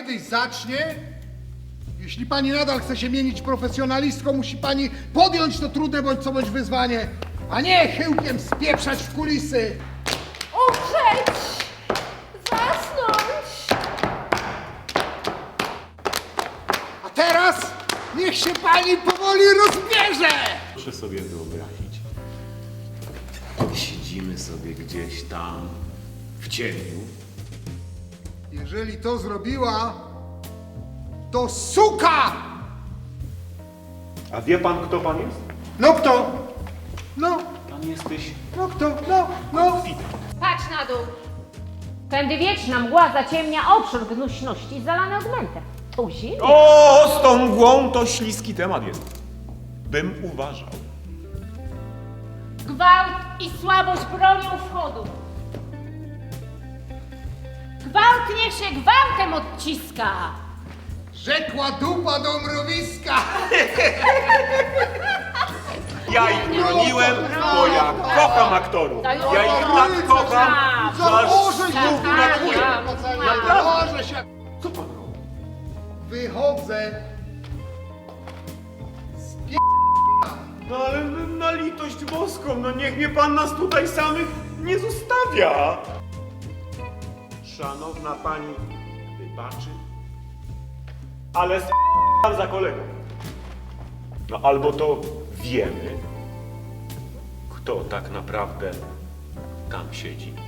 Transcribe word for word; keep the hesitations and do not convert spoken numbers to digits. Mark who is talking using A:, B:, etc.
A: kiedyś zacznie, jeśli pani nadal chce się mienić profesjonalistką, musi pani podjąć to trudne bądź co bądź wyzwanie, a nie chyłkiem spieprzać w kulisy.
B: Umrzeć! Zasnąć!
A: A teraz niech się pani powoli rozbierze!
C: Proszę sobie wyobrazić. Siedzimy sobie gdzieś tam w cieniu.
A: Jeżeli to zrobiła, to suka!
C: A wie pan, kto pan jest?
A: No kto? No,
C: Pan jesteś
A: no kto? No, no.
B: Patrz na dół! Tędy wieczna mgła zaciemnia obszar gnuśności zalany augmentem. To zimno.
C: O, z tą mgłą to śliski temat jest. Bym uważał.
B: Gwałt i słabość bronią wchodu. Gwałt niech się gwałtem odciska.
A: Rzekła dupa do mrowiska!
C: Ja ich broniłem, bo ja kocham aktorów. Ja ich tak kocham, że aż
A: Założę się!
C: znów brakuje.
A: Założę się!
C: Co pan robi?
A: Wychodzę
C: No ale na litość boską, no niech mnie pan nas tutaj samych nie zostawia. Szanowna pani wybaczy, ale s*** pan za kolegą. No albo to wiemy, kto tak naprawdę tam siedzi.